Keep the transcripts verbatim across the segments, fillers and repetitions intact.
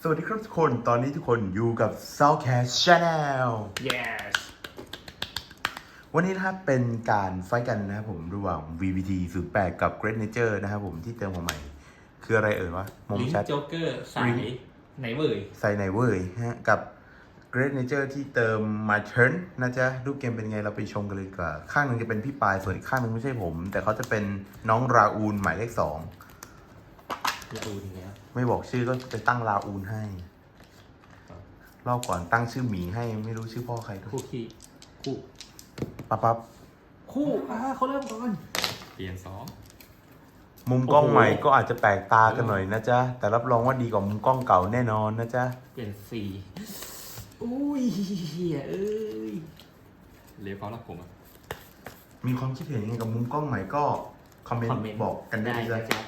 วัสดีครับทุกคน ตอนนี้ทุกคนอยู่กับ Soundcast Channel yes วันนี้นะครับเป็นการไฟท์กันนะครับผมระหว่าง วี วี ที ศูนย์แปด กับ Great Nature นะครับผมที่เติมมาใหม่ คืออะไรเอ่ยวะมองลิงชัดโจ๊กเกอร์สายไหนเว่ยใส่ไหนเว้ยฮะกับ Great Nature ที่เติมมา Turn นะจ๊ะรูปเกมเป็นไงเราไปชมกันเลยดีกว่า ข้างหนึงจะเป็นพี่ปายส่วนอีกข้างหนึงไม่ใช่ผม แต่เขาจะเป็นน้องราอูนหมายเลขสองละอูนอีกแล้วไม่บอกชื่อก็จะตั้งราอูนให้รอบก่อนตั้งชื่อหมีให้ไม่รู้ชื่อพ่อใครด้วยคู่ขี้คู่ปั๊บปั๊บคู่อ่าเขาเริ่มก่อนเปลี่ยนสองมุมกล้องโอ้โหใหม่ก็อาจจะแปลกตากันหน่อยนะจ๊ะ แต่รับรองว่าดีกว่ามุมกล้องเก่าแน่นอนนะจ๊ะเปลี่ยนสี่อุ้ยเหี้ยเอ้ยเลี้ยวเขารับผมอ่ะมีความคิดเห็นยังไงกับมุมกล้องใหม่ก็คอมเมนคอมต์เมนต์บอกกันได้ได้เลยนะจ้ะจ๊ะ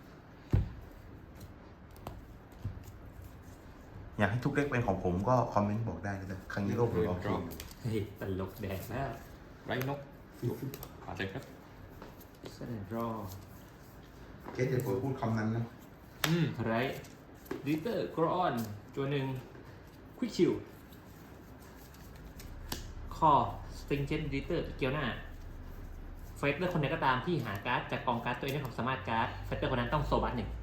อยากให้ทุกเลขเป็นของผมก็คอมเมนต์บอกได้นะจ๊ะครั้งนี้ก็ผมลองคิดเฮ้ยตลกแดกแล้วไรนกผ่านใจครับเสนอรอเคสเดี๋ยวผมพูดคำนั้นนะอืมไรดิเตอร์กรอนตัวหนึ่งควิกชิลคอสติงเจนดิเตอร์เกียวหน้าเฟสเตอร์คนใดก็ตามที่หาการ์ดจากกองการ์ดตัวเองด้วยความสามารถการ์ดเฟสเตอร์คนนั้นต้องโซบัสหนึ่ง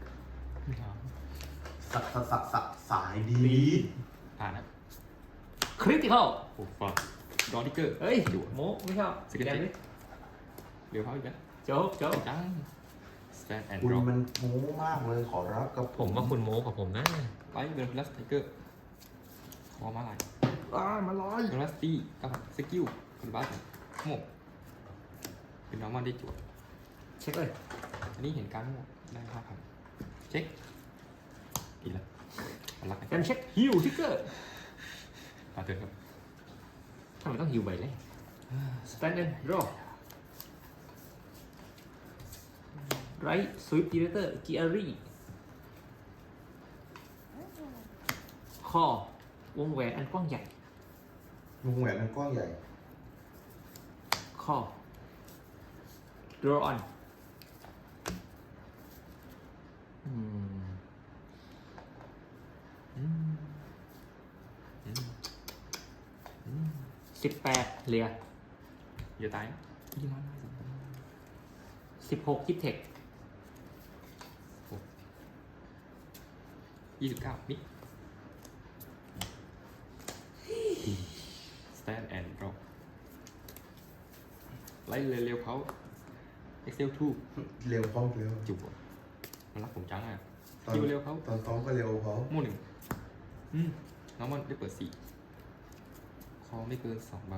สักสักสักสักสายดีผ่านนะคริติคอลโอ้ฟังดอนิเกอร์เฮ้ยจั่วโมไม่ชอบสกิลแกเจ็นดดิเลี้ยวเขาอีกแล้วโจ๊กโจ๊กจังสแตนแอนด์คุณดรอปมันโม้มากเลยขอรับกับผมว่าคุณโมกับผมนะไลท์เดอร์พลัสไทเกอร์คอมาลายอ้ามาลอยเดอร์พลัสตี้กับสกิลคุณบัสโมกเป็นน้องมันได้จั่วเช็คเลยอันนี้เห็นการโมกได้ห้าพันเช็คอีกแล้วอันรักกันกันเช็คฮิวทิกเกอร์ผ่านเถอะครับทำไมต้องฮิวใบเลยสแตนเดนรอไรสวิปดีเรเตอร์กิอารีคอวงแหวนอันกว้างใหญ่วงแหวนมันกว้างใหญ่คอ draw on อืมอืมอืมอืมสิบแปดเหลียอย่าตายนะยี่น้อยสิบหกคิดเทคยี่สิบเก้ามิดสแตนแอนด์ดรอปไล่เร็วๆเขา Excel ทูเร็วพร้อมเร็วจุบมันรักผมจังอ่ะตอนคิวเร็วเขาตอนซ้อมก็เร็วเขาหมู่หนึ่งอืมน้องมันได้เปิดสี่คอไม่เกินสองใบ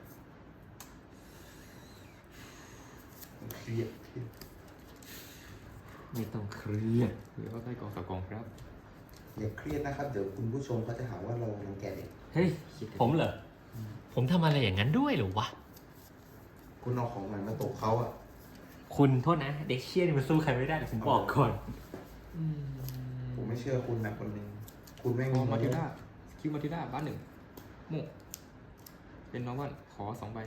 เครียดเครียดไม่ต้องเครียดหรือว่าใต้กองกับกองครับอย่าเครียดนะครับ เดี๋ยวคุณผู้ชมเขาจะหาว่าเรารังแกเด็กเฮ้ย ผมเหรอ ผมทำอะไรอย่างนั้นด้วยเหรอวะคุณเอาของใหม่มาตกเขาอ่ะคุณโทษนะ เด็กเชี่ยนี่มันสู้ใครไม่ได้เดี๋ยวผมบอกก่อนอืมผมไม่เชื่อคุณนะคนหนึงคุณไม่คงอง มาทิด้าคิวมาทิด้าบ้านหนึ่งหมู่เป็นน้องวันขอสองใบ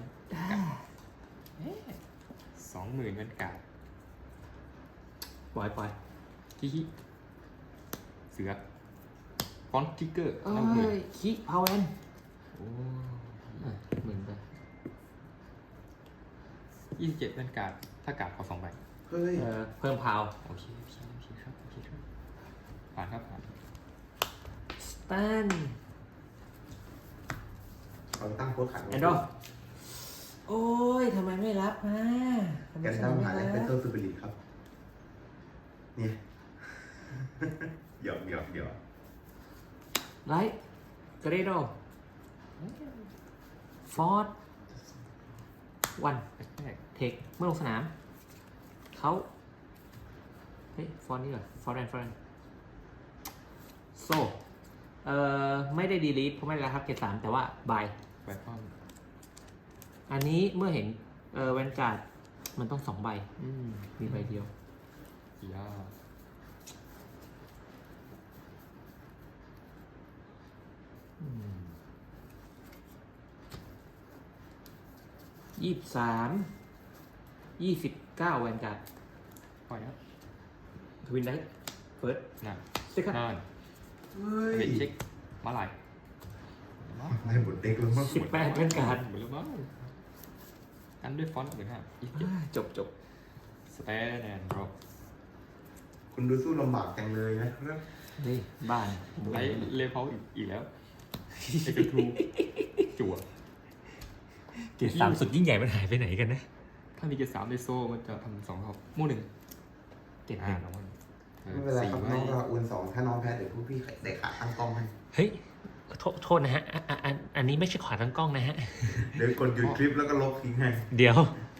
สองหมื่นเงินกาดปล่อยปล่อยที่เสือฟอนต์ทิกเกอร์เอ้น้ำหมื่นยคิพาวเวนโอ้หมื่นไปยี่สิบเจ็ดเงินกาดถ้ากาดขอสองใบเฮ้ยเออเพิ่มพาวโอเคโอเคโอเคครับโอเคครับผ่านครับผ่านสแตนเราตั้งโค้ดขันแอนดอโอ้ยทำไมไม่รับมาทำไมแกนฉัดั้นมไม่หาแลกรัเป็นบเตอร์ซูเปอร์ลีครับ เนี่ย หยอกหยอกหยอกไลท์เกรโดฟอร์ดวันแรกเทคเมื่อลงสนาม เขาเฮ้ย ฟอนต์นี่เหรอ ฟอร์แอนฟอร์แอนโซเอ่อ ไม่ได้ดีลีทเพราะไม่ได้รับเกรดสามแต่ว่าบายใบความอันนี้เมื่อเห็น เอ่อแวนการ์ดมันต้องสองใบ อืม มีใบเดียวยายี่สิบสามยี่สิบเก้าแวนการ์ดปล่อยครับทวินได้เฟิร์สน่ะสติ๊กเกอร์นั่นเฮ้ยเป็นเช็คมาลายได้หมดเด็กแล้วมั้งสิบแปดเป็นการหมดแล้วมั้งกันด้วยฟอนต์เหมือนฮะอีกเจ็ดจบจบสแตนแอนด์ดรอปคุณดูสู้ลำบากจังเลยนะนี่บ้านไลท์เลเวลอีกอีกแล้วเอกทูจั่วเกียรติสามสุดยิ่งใหญ่มันหายไปไหนกันนะถ้ามีเกียร์สามในโซ่มันจะทำสองรอบมู่หนึ่งเกียรติหอ่านึ่งน้องมันออไม่เป็นไรครับสี่น้องไว้ราอูนสองถ้าน้องแพ้เดี๋ยวพวกพี่ได้ขาตั้งกล้องให้เฮ้ยโทษโทษนะฮะอ่ะอ่ะอันอันนี้ไม่ใช่ขวาทั้งกล้องนะฮะเดี๋ยวกดหยุดคลิปแล้วก็ลบทิ้งให้เดี๋ยว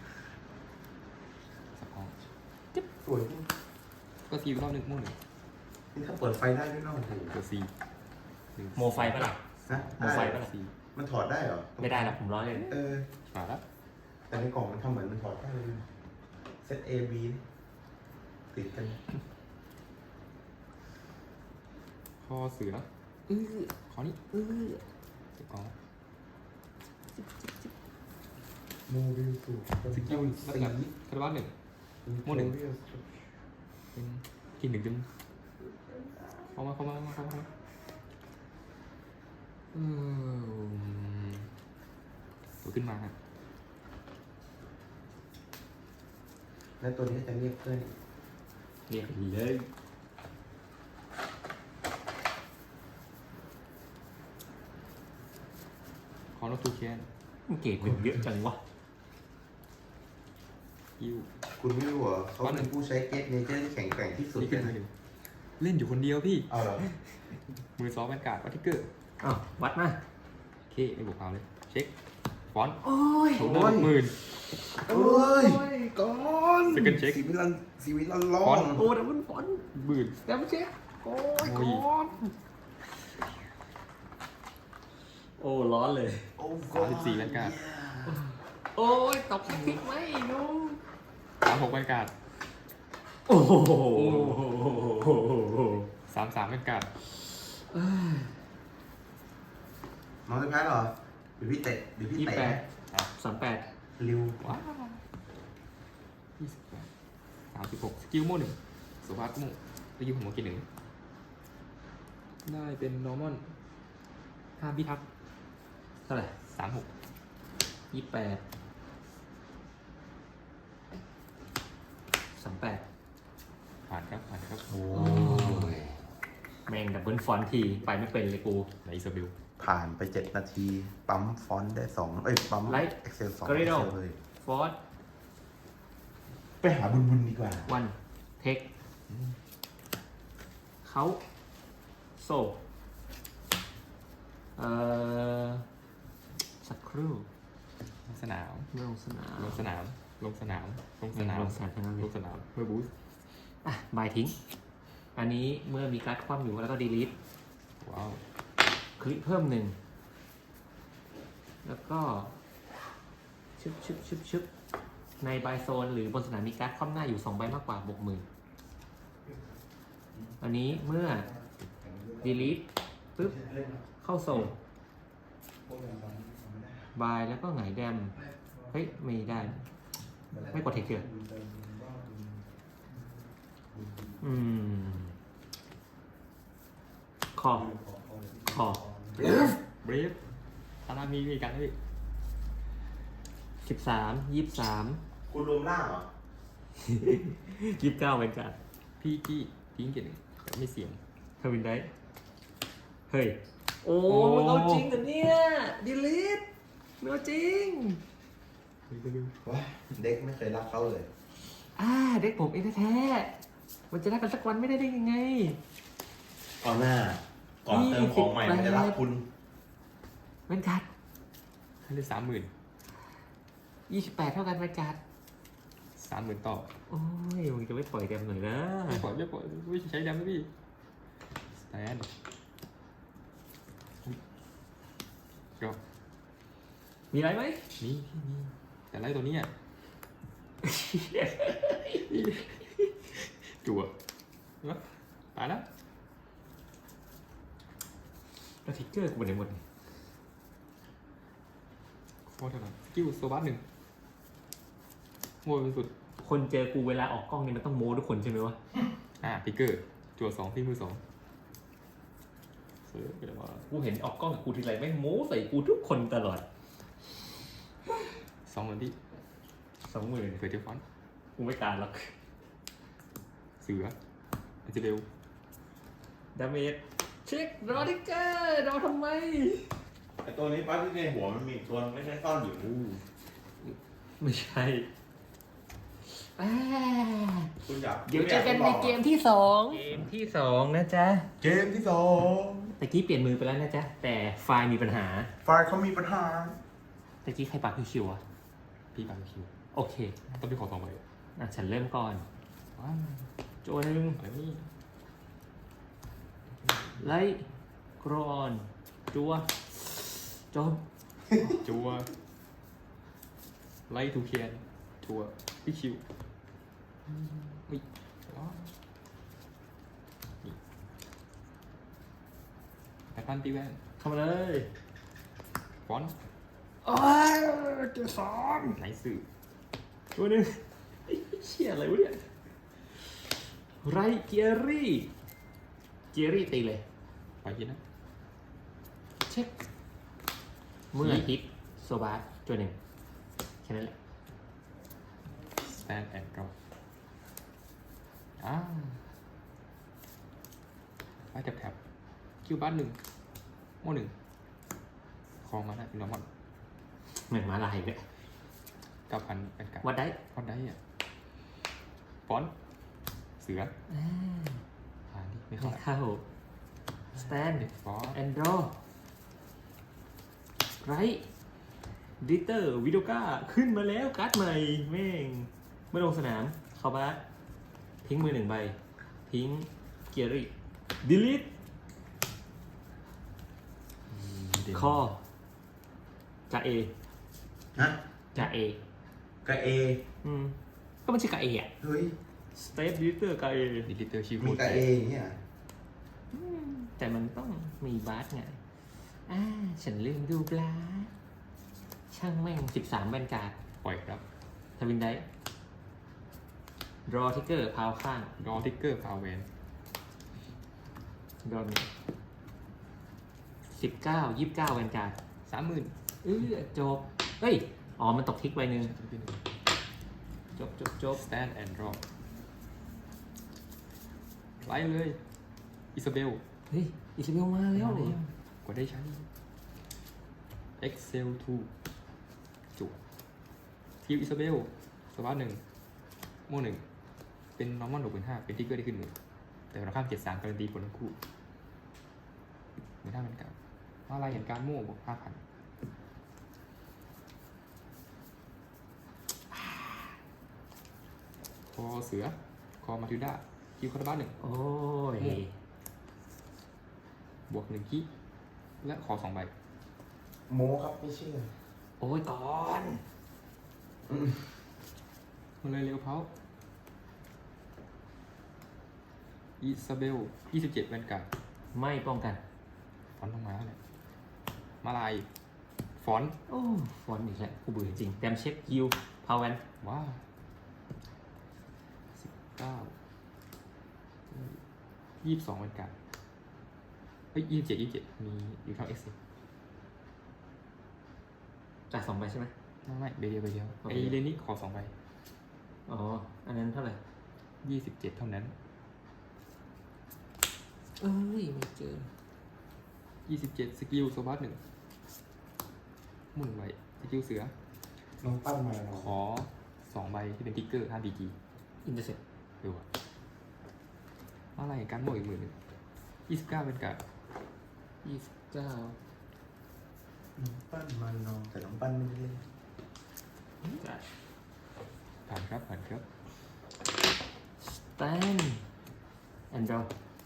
สองสวยจริงก็ซีรอบหนึ่งมู่หนึ่งนี่ถ้าเปิดไฟได้ด้วยเนาะโอ้โหเกียร์ซีหนึ่งโมไฟปะล่ะฮะโมไฟปะล่ะซีมันถอดได้เหรอไม่ได้หรอกผมร้อยเลยเออมาแล้วแต่ในกล่องมันทำเหมือนมันถอดได้เลยเซต A B ติดกันคอเสืออื้อคอนี้อื้อเก็บกองโมบิลสูสกิลนักหลักคาร์บัสหนึ่ง โมหนึ่ง เป็นกินหนึ่งจึงเข้ามาเข้ามาเข้ามาเข้ามาอืมตัวขึ้นมาฮะแล้วตัวนี้จะเรียกเพื่อนเรียกเลยคอโนทูเคนมันเกรดหนึ่งเยอะจังวะอิวคุณไม่รู้เหรอเขาเป็นผู้ใช้เกตเนเจอร์ที่แข็งแกร่งที่สุดนี่เลขึ้นยมานะหนึ่งเล่นอยู่คนเดียวพี่เอาเหรอมือซ้อมแวนการ์ดวัตทิกเกอร์อ้าววัดมาโอเคไม่บวกเอาเลย เช็ค ฟอนต์โอ้ยถูกเริ่มหมื่นโอ้ยก่อน Second check สีวิลันสีวิลันร้อก่อนนโอ้ดับเบิลฟอนต์หมื่นดับเบิลเช็คโอ้ยโอ้ยก่อนโอ้ร้อนเลยโอ้สามสิบสี่แวนการ์ดโอ้ยตกแท็กติกไหมนุ่มสามหกแวนการ์ดโอ้โหสามสามแวนการ์ดน้องจะแพ้เหรอเดี๋ยวพี่เตะเดี๋ยวพี่ยี่สิบเตะแปดสามแปดริวว้าวยี่สิบแปดสามสิบหกสกิลโม่หนึ่งสุภาพโม่สกิลของโมกินหนึ่งได้เป็นนอร์มอนห้าพิทักษ์เท่าไหร่สามหกยี่สิบแปดสามแปดผ่านครับผ่านครับโอ้ยแม่งดับเบิลฟอนต์ทีไปไม่เป็นเลยกูในอิซาเบลผ่านไปเจ็ดนาที ปั๊มฟอนต์ได้สองเอ้ย ปั๊ม Light Excel สอง Corridor Excel เลยฟอร์ดไปหาบุญบุญดีกว่าวันเทคเขาโซเอ่อสักครู่ลงสนามไม่ลงสนามลงสนาม ลงสนาม ลงสนามลงสนามทั้งนั้นเลลยงสนามเพื่อบูสต์อ่ะบายทิ้ง อันนี้เมื่อมีการ์ดคว่ำอยู่แล้วก็ดีลิทว้าวคลิกเพิ่มหนึ่ง แล้วก็ ชึบชึบชึบชึบในบายโซนหรือบนสนามมีการ์ดคว่ำหน้าอยู่สองใบมากกว่าบวกหมื่นอันนี้เมื่อดีลิทปึ๊บ เข้าโซนบายแล้วก็หงายแดม เฮ้ย ไม่ได้ ไม่กดเทคเกอร์อืม คอ คอเบรฟตานามีมีกันไหมพี่สิบสามยี่สิบสามคุณรวมล่างเหรอยี่สิบเก้าเป็นการพี่กี้ทิ้งเกียรติหนึ่งแต่ไม่เสี่ยงเทวินได้ เฮ้ย โอ้โอ้มันเอาจริงเหรอเนี่ยดีลิทมันเอาจริงว้าเด็กไม่เคยรักเขาเลยอ่า เด็กผมเองแท้ๆมันจะรักกันสักวันไม่ได้ได้ยังไงก่อนหน้า ก่อนเติมของใหม่มันจะรักคุณเป็นการ์ดให้ได้สามหมื่นยี่สิบแปดเท่ากันเป็นการ์ดสามหมื่นต่อโอ้ยมึงจะไม่ปล่อยแดมหน่อยนะไม่ปล่อยไม่ปล่อยไม่ใช้ดำนะพี่สแตนก็มีอะไรไหมนี่พี่นี่แต่ไล่ตัวนี้อ่ะจั่วเห็นปะตายแล้วแล้วทิกเกอร์กูไปไหนหมดโคตรเท่าไหร่สกิลโซบัสหนึ่งโง่เป็นสุดคนเจอกูเวลาออกกล้องนี่มันต้องโม้ทุกคนใช่ไหมวะอ่าพิกเกอร์จั่วสองที่มือสองเออแต่ว่ากูเห็นออกกล้องกับกูทีไรแม่งโม้ใส่กูทุกคนตลอดสองหมื่นที่สองหมื่นเฟอร์เจอร์ฟอนต์กูไม่การหรอกเสืออาจจะเร็วดาเมจเช็ครอดิเกอร์รอทำไมไอตัวนี้ปั๊บที่ในหัวมันมีตัวไม่ใช่ซ่อนอยู่ไม่ใช่อ่าคุณอยากเดี๋ยวเจอกันในเกมที่สองเกมที่สองนะจ๊ะเกมที่สองตะกี้เปลี่ยนมือไปแล้วนะจ๊ะ แต่ไฟล์มีปัญหาไฟล์เขามีปัญหาตะกี้ใครปากคิวๆอ่ะพี่บาร์บีคิวโอเคต้องไปขอสองใบอ่ะฉันเริ่มก่อนว้าวโจหนึ่งอะไรวะนี่ไลท์กรอนจัวจบจัวไลท์ทูเคียนจัวพี่คิวอุ้ยว้าวนี่แพทตันตีแวนเข้ามาเลยฟอนต์โอ้ยเจอสองไหนสื่อตัวหนึ่งไอ้เชี่ยอะไรวะเนี่ยไรเกียรี่เกียรี่ตีเลยไปกินนะเช็คเมื่อฮิตโซบาร์ตัวหนึ่งแค่นั้นแหละ stand and draw อ่าไปแท็บแท็บคิวบ้านหนึ่งโม่หนึ่งคอมาได้เป็นนอร์มอนเหมือนหมาลายเลยเก้าพันเป็นการวัดได้วัดได้อ่ะฟอนต์เสืออ่าอ่านี่ไม่ไม่เข้าเข้าสแตนเด็กฟอนต์แอนโดรไรดิเตอร์วิโดก้าขึ้นมาแล้วการ์ดใหม่แม่งเมื่อลงสนามเข้าบ้านทิ้งมือหนึ่งใบ ทิ้งเกียรี่ดิลิทเด่นคอจ่าเอฮะจ่าเอกับเออืมก็ไม่ใช่กาเออะเฮ้ยสเตปดิลิเตอร์กาเอดิลิเตอร์ชิมีวูกับเออย่างเนี่ยแต่มันต้องมีบาสไงอ่าฉันลืมดูบลาสช่างแม่งสิบสามแวนการ์ดปล่อยครับทวินได้รอทิกเกอร์พาวข้างรอทิกเกอร์พาวเวนรอมีสิบเก้ายี่สิบเก้าแวนการ์ดสามหมื่นเออจบ เฮ้ย อ๋อ มันตกทิกใบหนึ่งจบจบจบสแตนแอนด์ดรอปไล่เลยอิซาเบลเฮ้ย อิซาเบลมาแล้วเหรอกว่าได้ใช้ Excel ทูจุทีมอิซาเบลสวัสดหนึ่งโม่หนึ่งเป็นนอร์มอนหกหมื่นห้าเป็นทิกเกอร์ได้ขึ้นหนึ่งแต่เราข้ามเจ็ดสามการันตีผลทั้งคู่หมื่นห้าเป็นเก่าว่าอะไรเห็นการโม่บวกห้าพันคอเสือ คอมาทิวด้าคิวคาร์บ้านหนึ่งโอ้ยบวกหนึ่งคิและขอสองใบโมครับไม่เชื่อโอ้ยก่อนมาเลยเร็วเขาอิซาเบลยี่สิบเจ็ดแวนการ์ดไม่ป้องกันฟอนต์ลงมาเลยมาลาย ฟอนต์โอ้ ฟอนต์อีกแล้วกูเบื่อจริงแดมเช็คฮิวพาวเวนว้าวสิบเก้ายี่สิบสองแวนการ์ดเฮ้ยยี่สิบเจ็ดยี่สิบเจ็ดมีอยู่เท่าเอ็กซ์จ่ายสองใบใช่ไหมไม่ไม่ใบเดียวใบเดียวโอเคไอเรนนี่ขอสองใบอ๋อ อันนั้นเท่าไหร่ยี่สิบเจ็ดเท่านั้นเอ้ย ไม่เจอยี่สิบเจ็ดสกิลโซบัสหนึ่งหมุนใบสกิลเสือน้องปั้นมาเนาะขอสองใบที่เป็นติ๊กเกอร์ห้าบีจีอินเตอร์เซ็ปดูอ่ะอะไรการโม่อีกหมื่นหนึ่งยี่สิบเก้าเป็นการยี่สิบเก้าน้องปั้นมาเนาะแต่น้องปั้นไม่ได้เล่นจ่ายผ่านครับผ่านครับสแตนแอนดรอ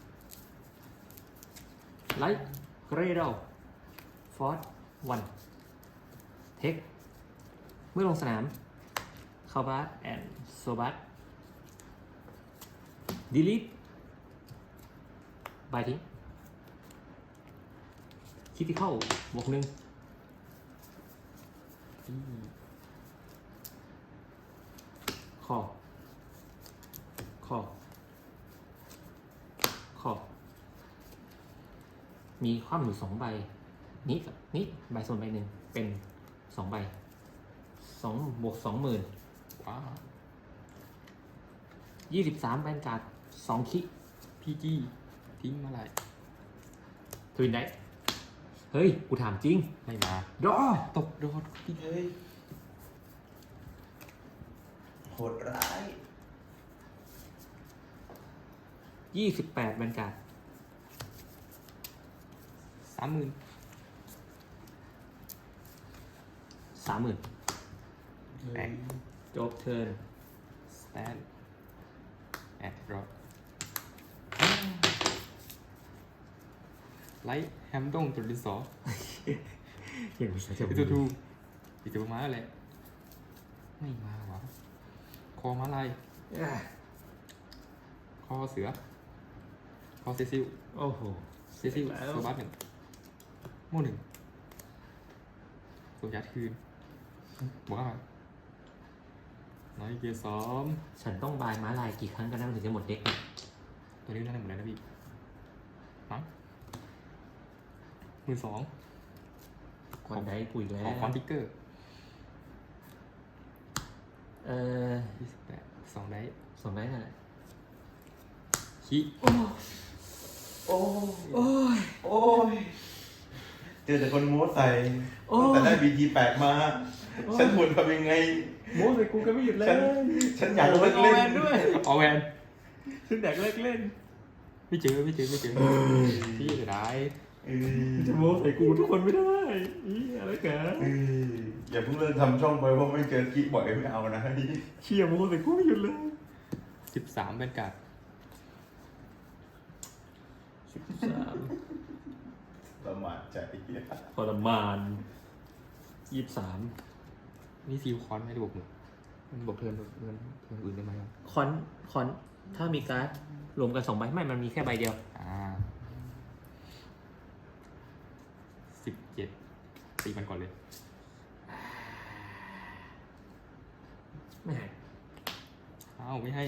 ไลท์เกรโดฟอร์ดวันเทคเมื่อลงสนามคาบาสแอนโซบัสดีลิทบายทิ้งคิติเข้าบวกหนึ่งที่คอคอคอมีคว่ำอยู่สองใบนี้กับนี้ใบส่วนใบหนึ่งเป็นสองใบสองบวกสองหมื่นว้าวยี่สิบสามแบนการ์ดสองคิพีจีทิ้งมาไหลทวินได้เฮ้ย กูถามจริงไม่มาดอตกโดนพี่เฮ้ยโหดร้ายยี่สิบแปดแบนการ์ดสามหมื่นสามหมื่นแบงจบเทิร์นสแตนแอดรอไลท์แฮมดงตัวดินสออย่างนี้จะอีตัวทูอีตัวม้าอะไรไม่มาวะคอม้าลายคอเสือคอเซซิลโอ้โหเซซิลแล้วโซบัสหนึ่งโม่หนึ่งโซยัดคืนบอกว่าน้อยเกียร์สองฉันต้องบายม้าลายกี่ครั้งกันนะมันถึงจะหมดเด็กเนี่ยตัวนี้น่าจะหมดแล้วนะพี่มั้งมือสองควันได้กูอีกแล้ขอวคอนติกเกอร์เออยี่สิบแปดสองได้สองได้นั่นแหละขี้โอ้โอ้ยโอ้ยเจอแต่คนโม้ใส่แต่ได้บีทีแปดมา ฉันควรทำยังไงโม้ใส่กูก็ไม่หยุดเลยฉันฉันอยากเลิกเล่นด้วยเอาแวนฉันอยากเลิกเล่นไม่เจอไม่เจอไม่เจอพี่จะได้เออจะโม้ใส่กูทุกคนไม่ได้อีอะไรกันเอออย่าเพิ่งเลิกทำช่องไปเพราะไม่เจอคลิปบ่อยไม่เอานะเชียร์โม้ใส่กูไม่หยุดเลยสิบสามเป็นการ์ดสิบสามประมาทใจทรมานยี่สิบสามนี่ซีลคอนไม่ได้บวกหนึ่งมันบวกเทิร์นเทิร์นเทิร์นอื่นได้ไหมครับคอนคอนถ้ามีการ์ดรวมกันสองใบไม่มันมีแค่ใบเดียวอ่าสิบเจ็ดตีมันก่อนเลยไม่หายอ้าวไม่ให้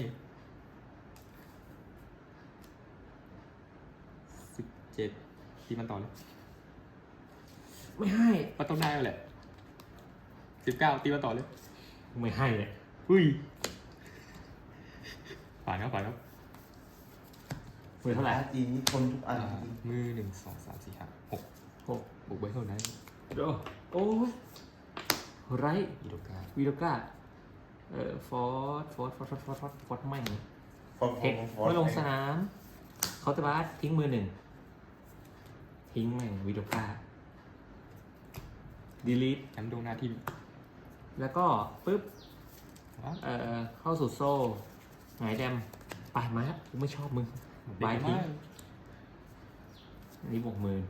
สิบเจ็ดตีมันต่อเลยไม่ให้มันต้องได้แล้วแหละสิบเก้าตีมันต่อเลยไม่ให้เลยอุ้ยผ่านครับผ่านครับมือเท่าไหร่จีนนี่ทนทุกอันอ่ามือหนึ่งสองสามสี่ห้าหกหกบวกใบเท่านั้นโอ้โอ้ยไรอีโดกาวีโดก้าเอ่อฟอร์ดฟอร์ดฟอร์ดฟอร์ดฟอร์ดฟอร์ดฟอร์ดไม่งฟอร์เทคเมื่อลงสนามเขาจะบาสทิ้งมือหนึ่งทิ้งแม่งวีโดก้าดีลีทแอมดงหน้าที่แล้วก็ปึ๊บว้าวเอ่อเข้าสู่โซ่หงายแดมไปมาครับกูไม่ชอบมึง บายทิ้ง อันนี้บวกมือ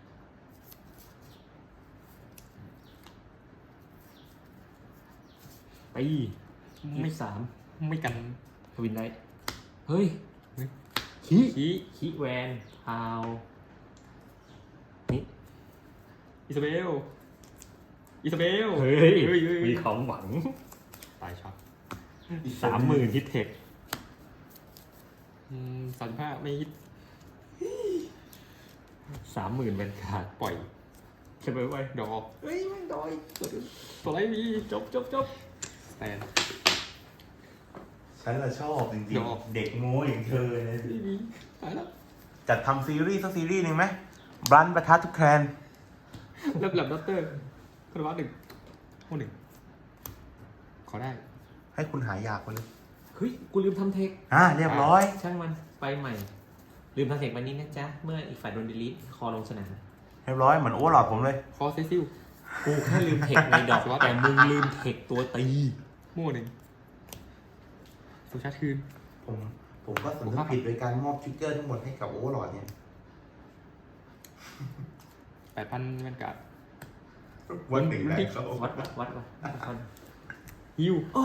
ไปยี่ไม่สิบสามไม่กันทวินได้ เฮ้ยเฮ้ยขี้ขี้ขี้แวนพาวนี่อิซาเบลอิซาเบลเฮ้ยเฮ้ยเฮ้ยมีของหวังตายช็อตสามหมื่นฮิตเทคอืมสามสิบห้าไม่ฮิตสามหมื่นเป็นขาดปล่อยใช่ไหมไว้ดอกเฮ้ยไม่ดอยตัวไรมีจบจบจบสแตนฉันละชอบจริงดอกๆ เด็กโม้อย่างเธอเนี่ยไม่มีตายแล้วจัดทำซีรีส์สักซีรีส์หนึ่งไหมบรันประทัดทุกแคลนเริ่มหลับด็อกเตอร์คารวะหนึ่งโอ้หนึ่งขอได้ให้คุณหายอยากไปเลยเฮ้ย กูลืมทำเทคอ่าเรียบร้อยช่างมันไปใหม่ ลืมทำเทควันนี้นะจ๊ะ เมื่ออีกฝ่ายโดนดีลีทคอลงสนามเรียบร้อยเหมือนโอ้หลอดผมเลยคอเซซิลกูแค่ลืมเทคในดอก แต่มึงลืมเทคตัวตีโม่หนึ่งสุชาติคืนผมผมก็สำนึกผิดโดยการมอบทริกเกอร์ทั้งหมดให้กับโอ้หลอดเนี่ยแปดพันแวนการ์ดวันหนึ่งได้เขาวัดวัดวัดวัดคนฮิวโอ้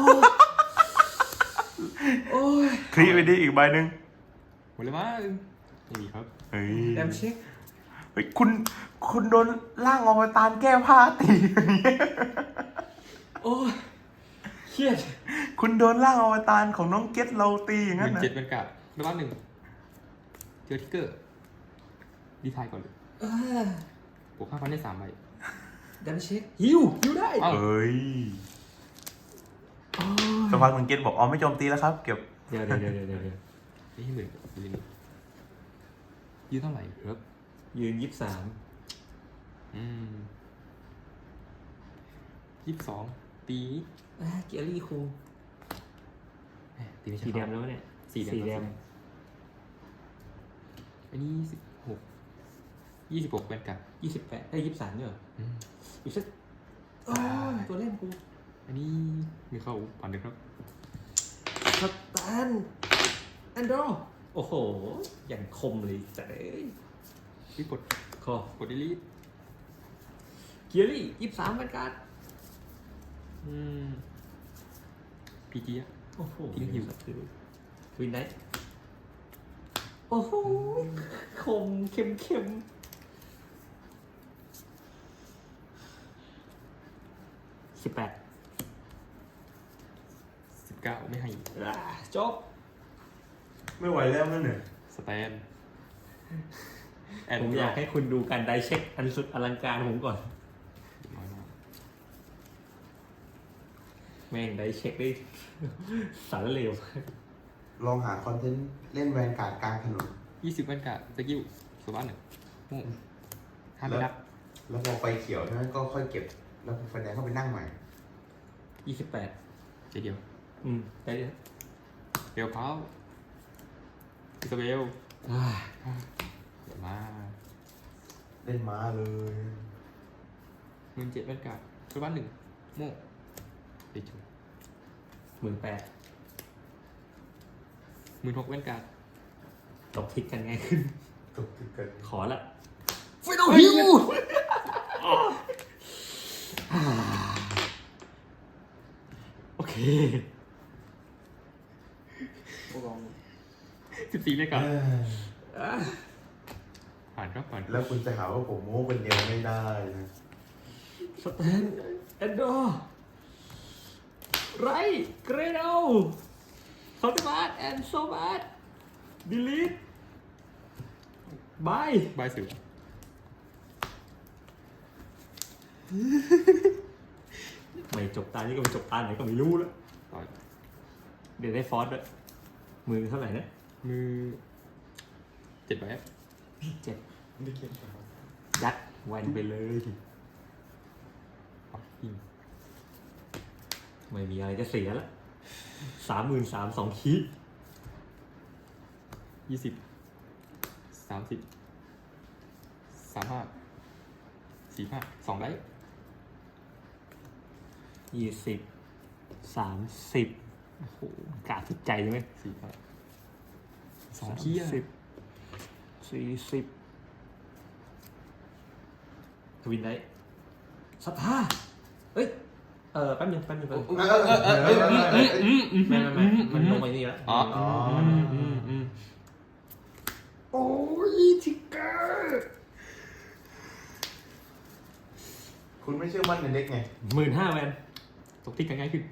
โอ้ยคลีไปดีอีกใบหนึ่งหมดเลยมั้งไม่มีครับเฮ้ยแอมเช็คเฮ้ยคุณคุณโดนร่างอวตารแก้ผ้าตีอย่างเงี้ยโอ้ยเครียดคุณโดนร่างอวตารของน้องเก็ตเราตีอย่างหนั้นนึ่งนะเจ็ดแวนการ์ดระบ้านหนึ่งเจอทิกเกอร์ดีไทายก่อนเลยอ่าบวกห้าพันได้สามใบดันเช็คฮิวฮิวได้เอ้าเอ้ยอ๋อสักพักหนึ่งเกตบอกอ๋อไม่โจมตีแล้วครับ เก็บเดี๋ยวเดี๋ยวเดี๋ยวเดี๋ยวเดี๋ยวนี่หมื่นยืนยืนเท่าไหร่ครับยืนยี่สิบสามอืมยี่สิบสองตีอ่าเกียรี่คูแหม่ตีไม่ใช่สีแดงเขาแล้วเนี่ยสีแดงสีแดงอันนี้สิบหกยี่สิบหกเป็นกับยี่สิบแปดได้ยี่สิบสามเนี่ยเหรออืมอีกสักโอ้ยตัวเล่นกูอันนี้มีเข้าผ่านเลยครับสแตนแอนโดรโอ้โห อย่างคมเลยแต่เอ้ยรีบกดคอกดดีลีทเกียรี่ยี่สิบสามเป็นการ์ดอืมพีจีอะโอ้โหทิ้งหิววินไนท์โอ้โหคมเข้มเข้มสิบแปดสิบเก้าไม่ให้อ่าจบไม่ไหวแล้วนั่นเนี่ยสแตนแอนผมอยากให้คุณดูการไดเช็คอันสุดอลังการของผมก่อนน้อยมากแม่งไดเช็คได้ สารเลวลองหาคอนเทนต์เล่นแวนการ์ดกลางถนนยี่สิบวันกะสกิลสวัสดหนึ่งโม่ห้าไม่รับแล้วพอไฟเขียวใช่ไหมก็ค่อยเก็บ แล้วพอไฟแดงก็ไปนั่งใหม่ยี่สิบแปดเจเดียวอืมได้เลยเบลพาวอิสเบลอ่าเดี๋ยวมาเล่นม้าเลยหมื่นเจ็ดวันกะสวัสดหนึ่งโม่ไปจุหมื่นแปดหมื่นหกวันกะตกทิศกันง่ายขึ้นตกติดกันขอละไฟนอลฮิวโอเคสิบสี่เลยกะเอ้ยอ่ะผ่านครับผ่านแล้วคุณจะหาว่าผมโม้คนเดียวไม่ได้นะสแตนแอนดอร์ไรเกรโดคอร์ดบาร์แอนโซบาร์ดิลิทบายบายสิวไม่จบตานี้ก็ไม่จบตาไหนก็ไม่รู้แล้วต่อยเดี๋ยวได้ฟอสด้วยมือเท่าไหร่นะมือเจ็ดใบครับเจ็ดไม่เก็บครับยัดแวนไปเลยอ๋อยิงไม่มีอะไรจะเสียละสามหมื่นสามสองคีดยี่สิบสามสิบสามห้าสี่ห้าสองได้ยี่สิบสามสิบโอ้โหกาดจิตใจใช่ไหมสี่ห้าสองขี้อะสิบสี่สิบทวินได้สัทธาเอ้ย เออแป๊บนึงแป๊บนึงแป๊บนึงเออเออเออเออเออเออไม่ไม่ไม่มันลงไปนี่แล้วอ๋ออ๋ออืมอืมอืมโอ้ยทิกเกอร์คุณไม่เชื่อมั่นในเด็กไงหมื่นห้าแวนตกที่กันง่ายขึ้น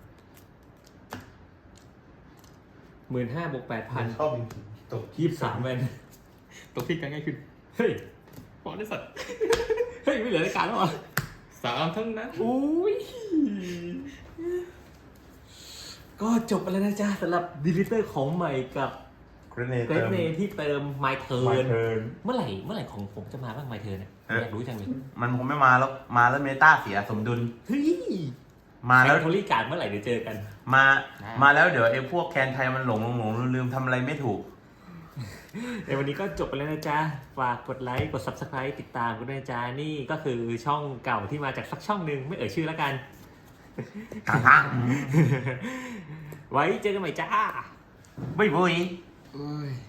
หมื่นห้าบวกแปดพันชอบจริงๆตกยี่สิบสามแวนตกที่กันง่ายขึ้นเฮ้ยปอนได้สัตว์เฮ้ย ไม่เหลือรายการแล้วเหรอสามทั้งนั้นอุ้ย ก็จบไปแล้วนะจ๊ะสำหรับดีลิเตอร์ของใหม่กับเกรเนเกรเติดมเมที่เติมไมเทิมาร์นเทิร์นเมื่อไหร่เมื่อไหร่ของผมจะมาบ้างไมเทิร์นเนี่ยอยากรู้จังเลยมันคงไม่มาแล้ว มาแล้วเมตาเสียสมดุลเฮ้ยมามาแล้แล้ว วโทรี่การ์ดเมื่อไหร่เดี๋ยวเจอกันมา มาแล้วเดี๋ยวไอ้พวกแคนไทยมันหลงหลงหลงลืมทำอะไรไม่ถูกในวันนี้ก็จบไปแล้วนะจ๊ะ ฝากกดไลค์ กด ซับสไครบ์ ติดตามกันด้วยนะจ๊ะ นี่ก็คือช่องเก่าที่มาจากสักช่องหนึ่งไม่เอ่ยชื่อแล้วกัน ไว้เจอกันใหม่จ้าบ๊ายบายเอ้ย